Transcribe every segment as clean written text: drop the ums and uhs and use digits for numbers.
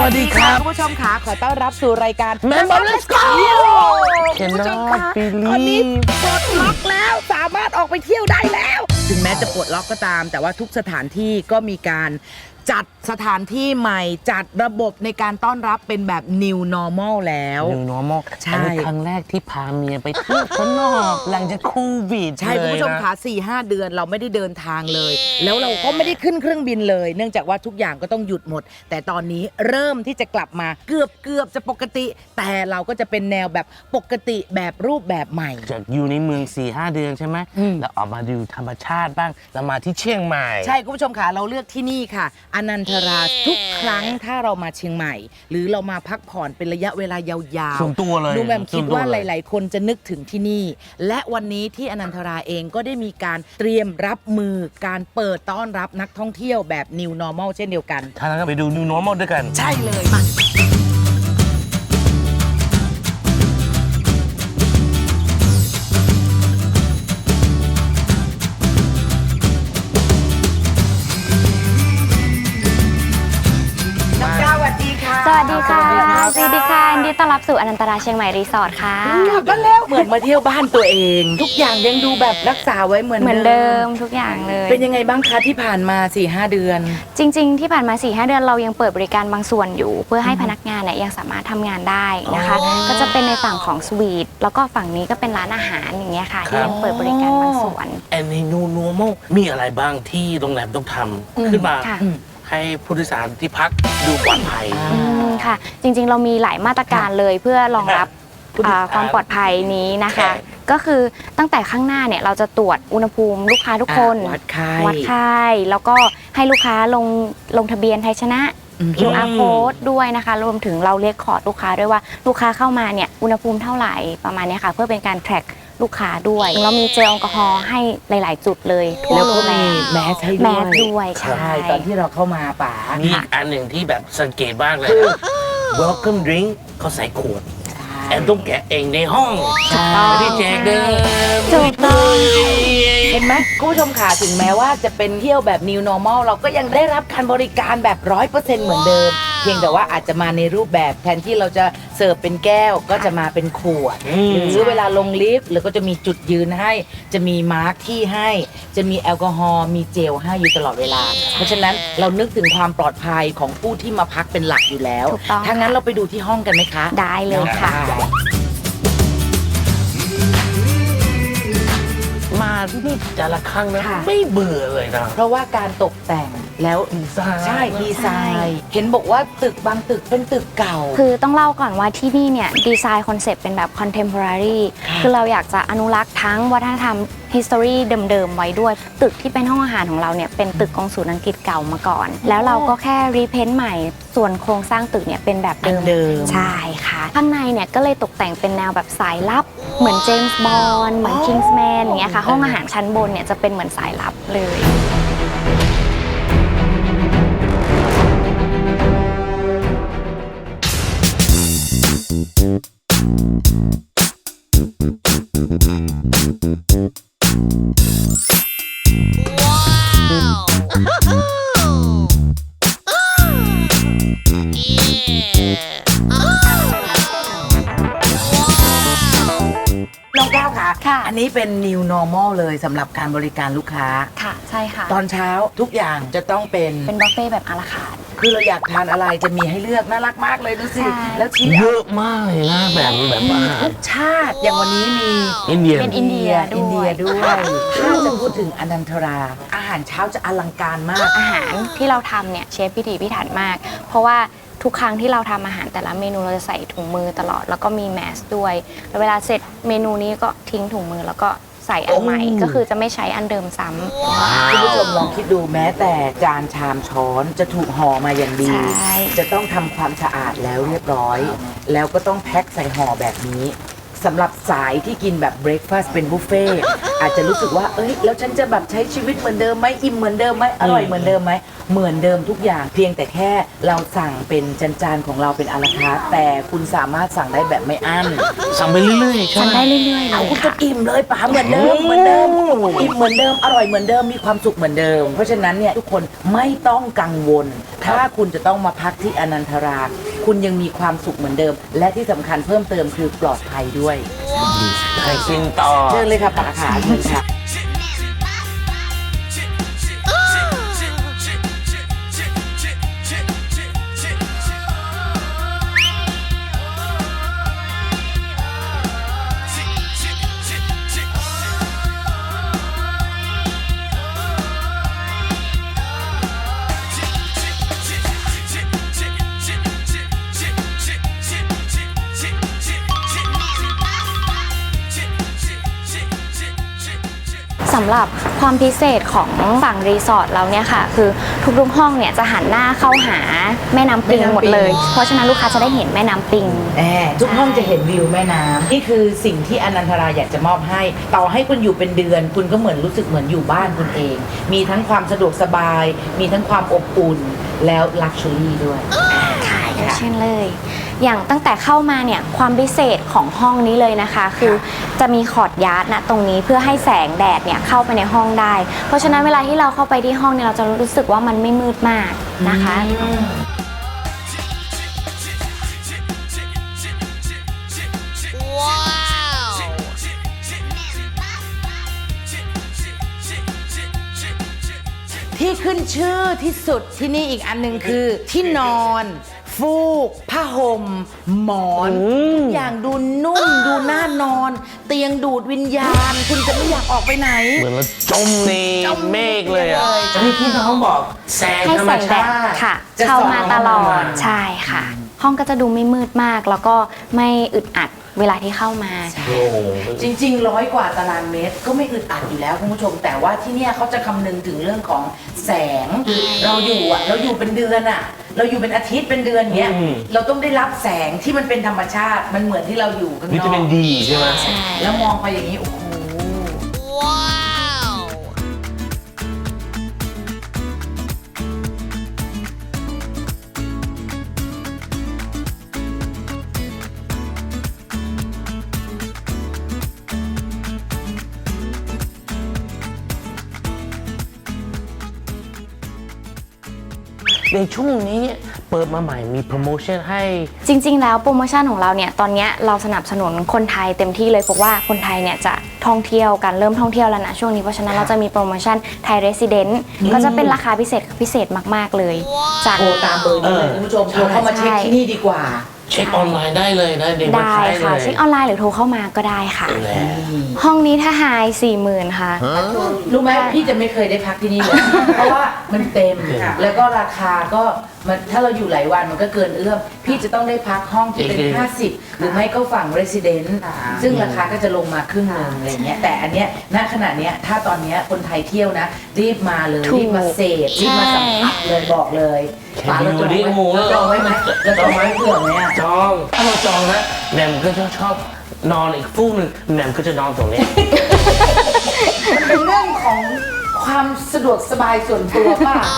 วัสดีครับคุณผู้ชมค่ะขอต้อนรับสู่รายการ Member Let's Go คุณผู้ชมค่ะตอนนี้ปลดล็อกแล้วสามารถออกไปเที่ยวได้แล้ว ถึงแม้จะปลดล็อกก็ตาม แต่ว่าทุกสถานที่ก็มีการจัดสถานที่ใหม่จัดระบบในการต้อนรับเป็นแบบ New Normal แล้ว New Normal ใช่อันนี้ครั้งแรกที่พาเมียไปเที่ยวข้างนอกหลังจากโควิดใช่คุณผู้ชมคะ4-5 เดือนเราไม่ได้เดินทางเลย แล้วเราก็ไม่ได้ขึ้นเครื่องบินเลย เนื่องจากว่าทุกอย่างก็ต้องหยุดหมด แต่ตอนนี้เริ่มที่จะกลับมาเกือบจะปกติ แต่เราก็จะเป็นแนวแบบปกติแบบรูปแบบใหม่จากอยู่ในเมือง 4-5 เดือนใช่ไหมแล้วออกมาดูธรรมชาติบ้างแล้วมาที่เชียงใหม่ใช่คุณผู้ชมค่ะเราเลือกที่นี่ค่ะอนันทราทุกครั้งถ้าเรามาเชียงใหม่ หรือเรามาพักผ่อนเป็นระยะเวลายาวส่วนตัวเลยดูแมมคิดว่าส่วนตัวหเลยลาย ๆ คนจะนึกถึงที่นี่ และวันนี้ที่อนันทราเองก็ได้มีการเตรียมรับมือการเปิดต้อนรับนักท่องเที่ยวแบบ New Normal เช่นเดียวกันถ้างั้นก็ไปดู New Normal ด้วยกันใช่เลยมาน้องก้าวสวัสดีค่ะสวัสดีค่ะ สวัสดีค่ะยินดีต้อนรับสู่อนันตราเชียงใหม่รีสอร์ทค่ะกลับมาแล้วเหมือนมาเที่ยวบ้านตัวเอง ทุกอย่างยังดูแบบรักษาไว้เหมือนเหมือนเดิมทุกอย่างเลยเป็นยังไงบ้างคะที่ผ่านมา 4-5 เดือนจริง ๆ ที่ผ่านมา 4-5 เดือนเรายังเปิดบริการบางส่วนอยู่ เพื่อให้พนักงานเนี่ยยังสามารถทำงานได้นะคะ ก็จะเป็นในฝั่งของสวีทแล้วก็ฝั่งนี้ก็เป็นร้านอาหารอย่างเงี้ยค่ะที่ยังเปิดบริการบางส่วน And New Normal มีอะไรบ้างที่โรงแรมต้องทำขึ้นมาค่ะให้ผู้โดยสารที่พักดูปลอดภัยค่ะ จริงๆ เรามีหลายมาตรการเลยเพื่อรองรับผู้โดยสารความปลอดภัยนี้นะคะค่ะก็คือตั้งแต่ข้างหน้าเนี่ยเราจะตรวจอุณหภูมิลูกค้าทุกคนวัดไข้วัดไข้แล้วก็ให้ลูกค้าลงทะเบียนไทยชนะ QR code ด้วยนะคะ รวมถึงเราเรียกคอร์ดลูกค้าด้วยว่าลูกค้าเข้ามาเนี่ยอุณหภูมิเท่าไหร่ประมาณเนี้ยค่ะ เพื่อเป็นการแทร็กลูกค้าด้วยเรามีเจลแอลกอฮอล์ให้หลาย ๆ จุดเลยทั่วแล้วโรก็งแรมีมแมสให้แมด้วยสด้วยใช่ใช่ตอนที่เราเข้ามาป๋ามีอีกอันหนึ่งที่แบบสังเกตบ้างเลยนะ Welcome drink เขาใส่ขวด แอนต้องแกะเองในห้องใช่ไม่ได้แจกเดิมถูกต้องเห็นไหมคุณผู้ชมค่ะถึงแม้ว่าจะเป็นเที่ยวแบบ New Normal เราก็ยังได้รับการบริการแบบ 100% เหมือนเดิม เพียงแต่ว่าอาจจะมาในรูปแบบแทนที่เราจะเสิร์ฟเป็นแก้วก็จะมาเป็นขวด หรือเวลาลงลิฟต์หรือก็จะมีจุดยืนให้ จะมีมาร์คที่ให้ จะมีแอลกอฮอล์มีเจลให้อยู่ตลอดเวลา เพราะฉะนั้นเรานึกถึงความปลอดภัยของผู้ที่มาพักเป็นหลักอยู่แล้วถูกต้องถ้างั้นเราไปดูที่ห้องกันไหมคะได้เลยค่ะมาที่นี่แต่ละครั้งนะค่ะไม่เบื่อเลยนะเพราะว่าการตกแต่งแล้วดีไซน์ใช่ดีไซน์ เห็นบอกว่าตึกบางตึกเป็นตึกเก่าคือต้องเล่าก่อนว่าที่นี่เนี่ยดีไซน์คอนเซปต์เป็นแบบ contemporary คือเราอยากจะอนุรักษ์ทั้งวัฒนธรรม history เดิมๆ ไว้ด้วย ตึกที่เป็นห้องอาหารของเราเนี่ยเป็นตึกกองศูนย์อังกฤษเก่ามาก่อน แล้วเราก็แค่รีเพนต์ใหม่ ส่วนโครงสร้างตึกเนี่ยเป็นแบบเดิมอันเดิมใช่ค่ะ ข้างในเนี่ยก็เลยตกแต่งเป็นแนวแบบสายลับ เหมือนเจมส์บอนด์เหมือนคิงส์แมนอย่างเงี้ยค่ะ ห้องอาหารชั้นบนเนี่ยจะเป็นเหมือนสายลับเลยน้องก้าวค่ะค่ะอันนี้เป็น New Normal เลยสำหรับการบริการลูกค้าค่ะใช่ค่ะตอนเช้าทุกอย่างจะต้องเป็นเป็นบุฟเฟ่ต์แบบอาราคาร์ทคือเราอยากทานอะไรจะมีให้เลือกน่ารักมากเลยดูสิใช่แล้วชี้เยอะมากเลยนะแบบอาหารทุกชาติอย่างวันนี้มีอินเดียเป็นอินเดียอินเดียด้ด้ววย ย ถ้าจะพูดถึงอนันทรา อาหารเช้าจะอลังการมากอาหารที่เราทำเนี่ยเชฟพิถีพิถันมาก เพราะว่าทุกครั้งที่เราทำอาหารแต่ละเมนูเราจะใส่ถุงมือตลอด แล้วก็มีแมสด้วยแล้วเวลาเสร็จเมนูนี้ก็ทิ้งถุงมือแล้วก็ใส่อันใหม่โอ้ก็คือจะไม่ใช้อันเดิมซ้ำคุณผู้ชมลองคิดดูแม้แต่จานชามช้อนจะถูกห่อมาอย่างดีใช่จะต้องทำความสะอาดแล้วเรียบร้อย แล้วก็ต้องแพ็คใส่ห่อแบบนี้สำหรับสายที่กินแบบเบรคฟาสต์เป็นบุฟเฟ่ต์อาจจะรู้สึกว่าเอ้ยแล้วฉันจะแบบใช้ชีวิตเหมือนเดิมไหมอิ่มเหมือนเดิมไหมอร่อยเหมือนเดิมไหมเหมือนเดิมทุกอย่างเพียงแต่แค่เราสั่งเป็นจานๆของเราเป็นอาราคาร์ทแต่คุณสามารถสั่งได้แบบไม่อั้นสั่งไปเรื่อยๆใช่สั่งไหมได้เรื่อยๆเลเอายคุณจะค่ะอิ่มเลยป๋าเหมือนเดิมเหมือนเดิมอิ่มเหมือนเดิมอร่อยเหมือนเดิมมีความสุขเหมือนเดิม เพราะฉะนั้นเนี่ยทุกคนไม่ต้องกังวล ถ้าคุณจะต้องมาพักที่อนันทรา คุณยังมีความสุขเหมือนเดิม และที่สำคัญเพิ่มเติมคือปลอดภัยด้วยให้กินต่อเชิญเลยค่ะป๋าขาเชิญค่ะสำหรับความพิเศษของฝั่งรีสอร์ทเราเนี่ยค่ะ คือทุกๆห้องเนี่ยจะหันหน้าเข้าหาแม่น้ำปิงหมดเลย เพราะฉะนั้นลูกค้าจะได้เห็นแม่น้ำปิงทุกห้องจะเห็นวิวแม่น้ำนี่คือสิ่งที่อนันทราอยากจะมอบให้ ต่อให้คุณอยู่เป็นเดือน คุณก็เหมือนรู้สึกเหมือนอยู่บ้านคุณเอง มีทั้งความสะดวกสบาย มีทั้งความอบอุ่นแล้วลักชัวรี่ด้วยค่ะอย่างเช่นเลย อย่างตั้งแต่เข้ามาเนี่ยความพิเศษของห้องนี้เลยนะคะ คือจะมีคอร์ดยาร์ดนะตรงนี้เพื่อให้แสงแดดเนี่ยเข้าไปในห้องได้ เพราะฉะนั้นเวลาที่เราเข้าไปที่ห้องเนี่ยเราจะรู้สึกว่ามันไม่มืดมากนะคะที่ขึ้นชื่อที่สุดที่นี่อีกอันหนึ่งคือที่นอน ฟูก ผ้าห่ม หมอนทุกอย่างดูนุ่มดูน่านอน เตียงดูดวิญญาณ คุณจะไม่อยากออกไปไหนเหมือนเราจมในจมเมฆเลยอ่ะเลยนี่ที่น้องบอกแสงให้ธรรแสมงแดชาดติค่ะจะเข้ามาตลอส่องเข้าดมาใช่ค่ะ ห้องก็จะดูไม่มืดมาก แล้วก็ไม่อึดอัดเวลาที่เข้ามาโอ้โหจริงๆ100 กว่าตารางเมตรก็ไม่อึดอัดอยู่แล้วคุณผู้ชม แต่ว่าที่เนี่ยเขาจะคำนึงถึงเรื่องของแสงเราอยู่เป็นเดือนอะเราอยู่เป็นอาทิตย์เป็นเดือนเงี้ยเราต้องได้รับแสงที่มันเป็นธรรมชาติมันเหมือนที่เราอยู่ข้างนอกวิตามินดีใช่ไหมใช่แล้วมองไปอย่างนี้โอ้โหในช่วงนี้เปิดมาใหม่มีโปรโมชั่นให้จริงๆ แล้วโปรโมชั่นของเราเนี่ยตอนเนี้ยเราสนับสนุนคนไทยเต็มที่เลยเพราะว่าคนไทยเนี่ยจะท่องเที่ยวกันเริ่มท่องเที่ยวแล้วนะช่วงนี้เพราะฉะนั้นเราจะมีโปรโมชั่นไทยเรสซิเดนต์ก็จะเป็นราคาพิเศษมากๆเลยจากโทรตามเบอร์นี้เลยคุณผู้ชมโทรเข้ามาเช็คที่นี่ดีกว่าเช็คออนไลน์ได้เลยนะในเว็บได้ไซต์เลค่ะยเช็คออนไลน์หรือโทรเข้ามาก็ได้ค่ะแหละห้องนี้ถ้าไฮ40,000ค่ะรู้ไหมพี่จะไม่เคยได้พักที่นี่เลย เพราะว่ามันเต็มแล้วก็ราคาก็มันถ้าเราอยู่หลายวันมันก็เกินเอื้อมพี่จะต้องได้พักห้องที่เป็น 50 หรือไม่ก็ฝั่ง Resident ซึ่งราคาก็จะลงมาครึ่งหนึงอะไรเงี้ยแต่อันเนี้ยณขณะเนี้ยถ้าตอนเนี้ยคนไทยเที่ยวนะ รีบมาเลยถูกรีบมาเสพรีบมาสัมผัสเลยบอกเลยแค่ป๋าเราจองดูดิโอ้โหไว้เราจองไว้ไหมเราจองไว้เผื่อไหมอะจองถ้าเราจองนะแหม่มก็จะชอบนอนอีกฟูกหนึ่งแหม่มก็จะนอนตรงนี้เป็นเรื่องของความสะดวกสบายส่วนตัวป่ะ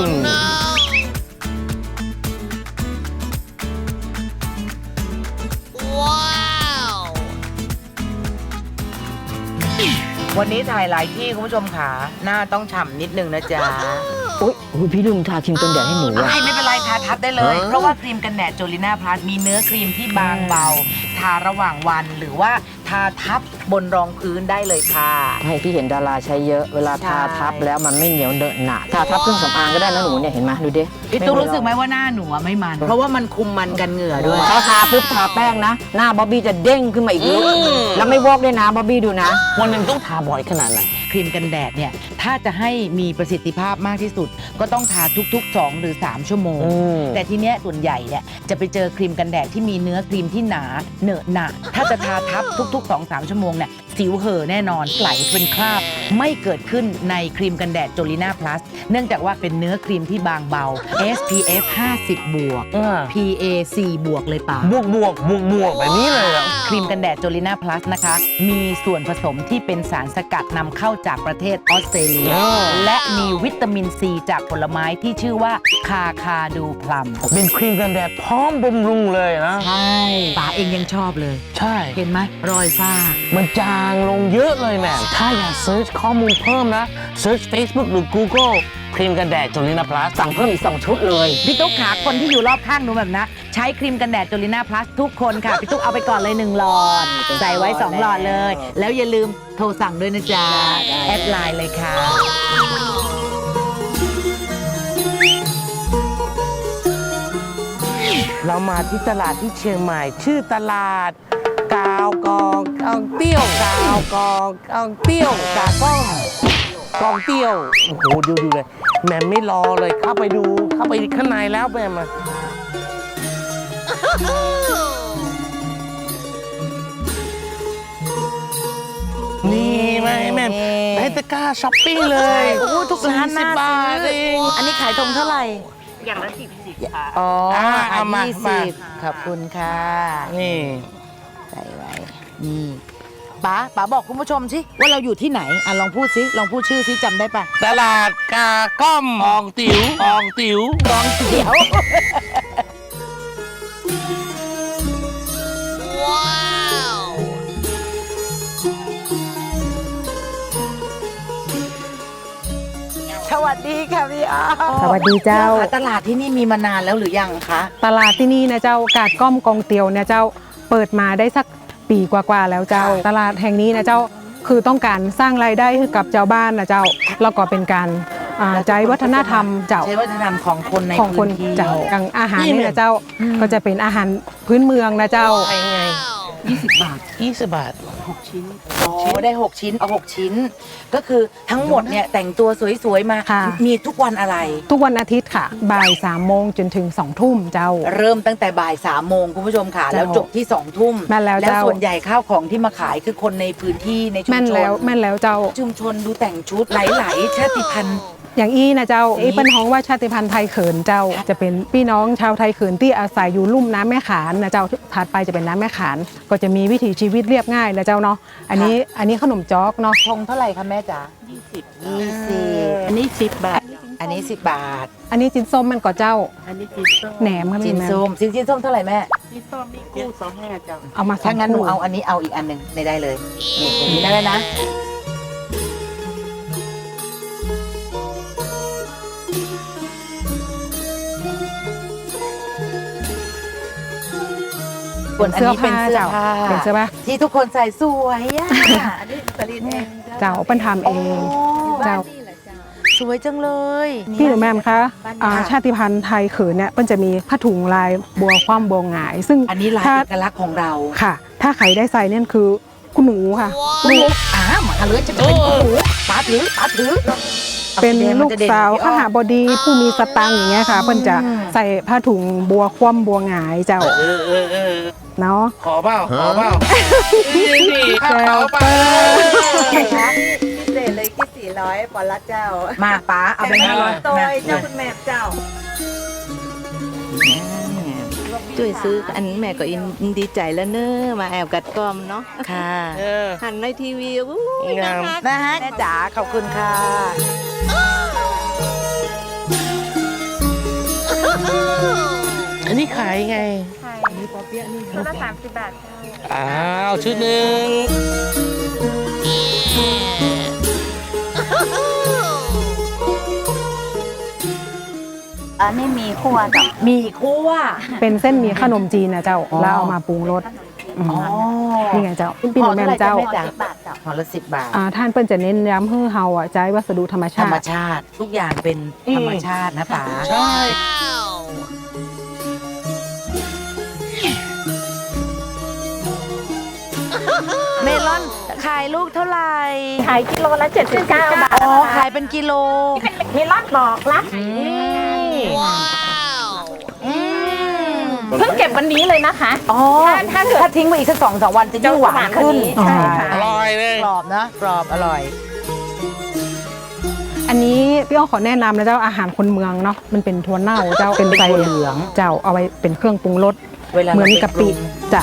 วันนี้ถ่ายหลายที่คุณผู้ชมค่ะหน้าต้องฉ่ำนิดนึงนะจ๊ะอุ๊ยพี่ลืมทาครีมกันแดดให้หนูอะไม่เป็นไรทาทับได้เลย เพราะว่าครีมกันแดดโจลิน่าพลัสมีเนื้อครีมที่บางเบา ทาระหว่างวันหรือว่าทาทับบนรองพื้นได้เลยค่ะให้พี่เห็นดาราใช้เยอะ เวลาทาทับแล้วมันไม่เหนียวเดอะหนะทาทับเครื่องสำอางก็ได้นะหนูเนี่ยเห็นไหมดูดิพี่ตุ๊กรู้สึกไหมว่าหน้าหนูอะไม่มัน เพราะว่ามันคุมมันกันเหงื่อด้วยถ้าทาปุ๊บทาแป้งนะ หน้าบ๊อบบี้จะเด้งขึ้นมาอีกลุกแล้วไม่วอกด้วยนะบ๊อบบี้ดูนะวันหนึ่งต้องทาบ่อยขนาดไหนครีมกันแดดเนี่ยถ้าจะให้มีประสิทธิภาพมากที่สุด ก็ต้องทาทุกๆ 2 หรือ 3 ชั่วโมง แต่ทีเนี้ยส่วนใหญ่เนี่ยจะไปเจอครีมกันแดดที่มีเนื้อครีมที่หนาเหนอะหนะถ้าจะทาทับทุกๆ 2-3 ชั่วโมงเนี่ยสิวเห่อแน่นอนไหลเป็นคราบไม่เกิดขึ้นในครีมกันแดดโจลิน่าพลัสเนื่องจากว่าเป็นเนื้อครีมที่บางเบา SPF 50 บวก PA 4 บวกเลยป่ะบวกแบบนี้เลยเหรอครีมกันแดดโจลิน่าพลัสนะคะ มีส่วนผสมที่เป็นสารสกัดนำเข้าจากประเทศออสเตรเลีย และมีวิตามินซีจากผลไม้ที่ชื่อว่าคาคาดูพลัมเป็นครีมกันแดดพร้อมบำรุงเลยนะใช่ป๋าเองยังชอบเลยใช่เห็นไหมรอยฝ้ามันจางลงเยอะเลยแม่ถ้าอยากเซิร์ชข้อมูลเพิ่มนะเซิร์ช Facebook หรือ Google ครีมกันแดดโจลิน่าพลัสสั่งเพิ่มอีก 2 ชุดเลยพี่ตุ๊กขาคนที่อยู่รอบข้างหนูแบบนะ ใช้ครีมกันแดดโจลิน่าพลัสทุกคนค่ะ พี่ตุ๊กเอาไปก่อนเลย 1 หลอด ใส่ไว้ 2 หลอดเลย แล้วอย่าลืมโทรสั่งด้วยนะจ๊ะ แอดไลน์เลยค่ะเรามาที่ตลาดที่เชียงใหม่ ชื่อตลาดกาวกองเตี้ยวกาวกองเตี้ยวกากองเตี้ยวโอ้โหดูเลยแม่ไม่รอเลยเข้าไปข้างในแล้วแม่มานี่แม่ให้ตะกร้าช้อปปิ้งเลยโอ้โหทุกร้านน่า 40 บาทซื้อเองอันนี้ขายตรงเท่าไหร่อย่างละ10ค่ะอ๋อเอามา 20ขอบคุณค่ะนี่ใส่ไว้ นี่ป๋าบอกคุณผู้ชมสิว่าเราอยู่ที่ไหนอ่ะลองพูดสิลองพูดชื่อสิจำได้ปะตลาดกาก้อมอองติ๋วกองติ๋วเดี๋ยวสวัสดีค่ะพี่อ้อสวัสดีเจ้าค่ะตลาดที่นี่มีมานานแล้วหรือยังคะตลาดที่นี่นะเจ้ากาดก้อมกองเตียวเนี่ยเจ้าเปิดมาได้สักปีกว่าๆแล้วเจ้า ตลาดแห่งนี้นะเจ้าคือต้องการสร้างรายได้ให้กับเจ้าบ้านนะเจ้าแล้วก็เป็นการใช้วัฒนธรรมเจ้าใช้วัฒนธรรมของคนในของคพื้นนที่เจ้าอย่างอาหารนี่นะเจ้าก็จะเป็นอาหารพื้นเมืองนะเจ้าไงไง 20 บาท 20 บาทอ๋อได้ 6 ชิ้น เอา 6 ชิ้น ก็คือทั้งหมดเนี่ยแต่งตัวสวยๆ มาค่ะมีทุกวันอะไรทุกวันอาทิตย์ค่ะบ่าย3 โมงจนถึง2 ทุ่มเจ้าเริ่มตั้งแต่บ่าย3 โมงคุณผู้ชมค่ะเจ้าแล้วจบที่ 2 ทุ่มแม่นแล้วแล้วเจ้าส่วนใหญ่ข้าวของที่มาขายคือคนในพื้นที่ในชุมแม่นชนแล้วเจ้าชุมชนดูแต่งชุดหลายๆชาติพันธุ์อย่างอี้นะเจ้าอีเป็นฮ้องว่าชาติพันธุ์ไทยเขินเจ้า จะเป็นพี่น้องชาวไทยเขินที่อาศัยอยู่ลุ่มน้ำแม่ขานนะเจ้าถัดไปจะเป็นน้ำแม่ขานก็จะมีวิถีชีวิตเรียบง่ายนะเจ้าเนาะอันนี้ขนมจ๊อกเนาะทงเท่าไหร่คะแม่จ๋า20 อันนี้10 บาทอันนี้10 บาทอันนี้จินส้มมันก็เจ้าอันนี้จีส้มแหนมครับจิพี่นแม่ส้มจินส้มเท่าไหร่แม่จีส้มนี่กู้25เจ้าเอามาถ้างั้นหนูคู่เอาอันนี้เอาอีกอันหนึ่งไม่ได้เลยนี่อย่างนี้ได้นะ ส่วนอันนี้เป็นเสื้อผ้าเป็นเสื้อผ้าที่ทุกคนใส่สวยอ่ะอันนี้ผลิตเองเจ้าเป็นทำเอง เจ้าสวยจังเลยพี่หนูแม่มคะชาติพันธุ์ไทยเขินเนี่ยมันจะมีผ้าถุงลายบัวคว่ำบัวหงาย ซึ่งอันนี้ลายถ้าเอกลักษณ์ของเราค่ะ ถ้าใครได้ใส่เนี่ยคือคุณหนูค่ะลูกมาเลยจะเป็นหนูปาถือเป็นลูกสาวข้าหาบดีผู้มีสตังค์อย่างเงี้ยค่ะเพิ่นจะใส่ผ้าถุงบัวคว่ำบัวหงายเจ้า เนาะขอเปล่านี่ข้าวแจ้วเปล่าเปิ้ลพิเศษเลยกี่400ปอนละเจ้ามาป้าเอาไปให้ตัวเจ้าคุณแม่เจ้า ช่วยซื้ออันแม่ก็อินดีใจแล้วเนอะมาแอบกัดกอมเนาะค่ะหันในทีวีอู้ยงามนะฮะแม่จ๋าขอบคุณค่ะอันนี้ขายไงชุดละ30 บาทอ้าวชุดหนึ่งอันนี้มีคั่วกับมีคั่วเป็นเส้นหมี่ขนมจีนนะเจ้า แล้วเอามาปรุงรสมอ๋อนี่ไงเจ้าพี่หนูแม่มเจ้าห่อเท่าไหร่จ๊ะแม่จ๋าห่อละ10 บาทท่านเปิ้ลจะเน้นย้ำให้เฮาใช้วัสดุธรรมธรชารมติชาติ ทุกอย่างเป็นธรรมชาตินะป๋าใช่เมลอนขายลูกเท่าไหร่ขายกิโลละ79 บาทอ๋อขายเป็นกิโลมีรอดบอกละอืมเพิ่งเก็บวันนี้เลยนะคะอ๋อถ้าเกิดถ้าทิ้งไว้อีกสัก2-3 วันจะยิ่งหวานขึ้นใช่ค่ะอร่อยเลยกรอบนะกรอบอร่อยอันนี้พี่อ้อขอแนะนำนะเจ้าอาหารคนเมืองเนาะมันเป็นถั่วเน่าเจ้าเป็นไส้เป็นถั่วเหลืองเจ้าเอาไว้เป็นเครื่องปรุงรสเวลาเหมือนเราไปกะปิปรุงจ้ะ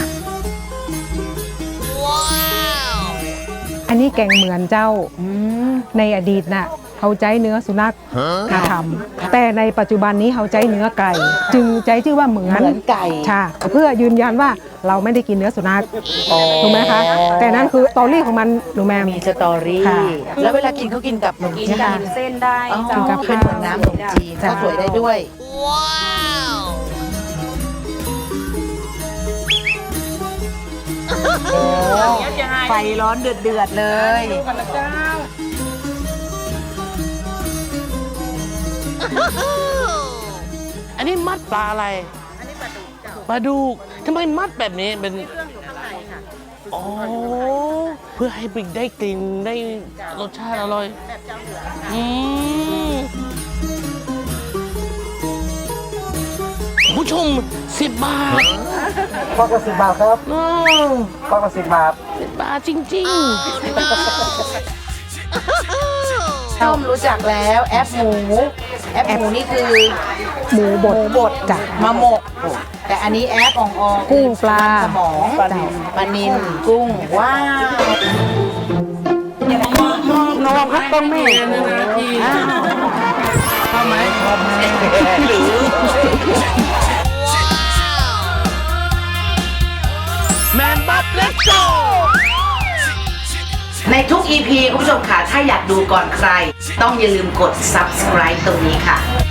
อันนี้แกงเหมือนเจ้าในอดีตน่ะเขาใช้เนื้อสุนัขมาทำแต่ในปัจจุบันนี้เขาใช้เนื้อไก่ จึงใช้ชื่อว่าเหมือนเหมือนไก่ใช่เพื่อยืนยันว่าเราไม่ได้กินเนื้อสุนัขถูกไหมคะแต่นั่นคือสตอรี่ของมันหนูแม่มีสตอรี่ค่ะแล้วเวลากินเขากินกับขนมจีนค่ะเส้นได้อ๋อกินกับเป็นเหมือนน้ำขนมจีนจ้ะก็สวยได้ด้วย ไฟร้อนเดือดเลยอันนี้มัดปลาอะไร อันนี้ปลาดุกทำไมมัดแบบนี้เป็นอ๋อเพื่อให้ปิกได้กลิ่นได้รสชาติอร่อยอืมผู้ชม10 บาทฟอกละ10 บาทครับอืมฟอกละ10 บาท 10 บาทจริงๆต้มรู้จักแล้วแอปหมูนี่คือหมูบดบดจ้ะมาหมก แต่อันนี้แอปอ่องๆกุ้งปลาสมองปลานิลกุ้งว้าวน้องครับต้องแม่เข้าไหมหรือแมนบัฟเลตโกในทุก EP คุณผู้ชมค่ะ ถ้าอยากดูก่อนใคร ต้องอย่าลืมกด subscribe ตรงนี้ค่ะ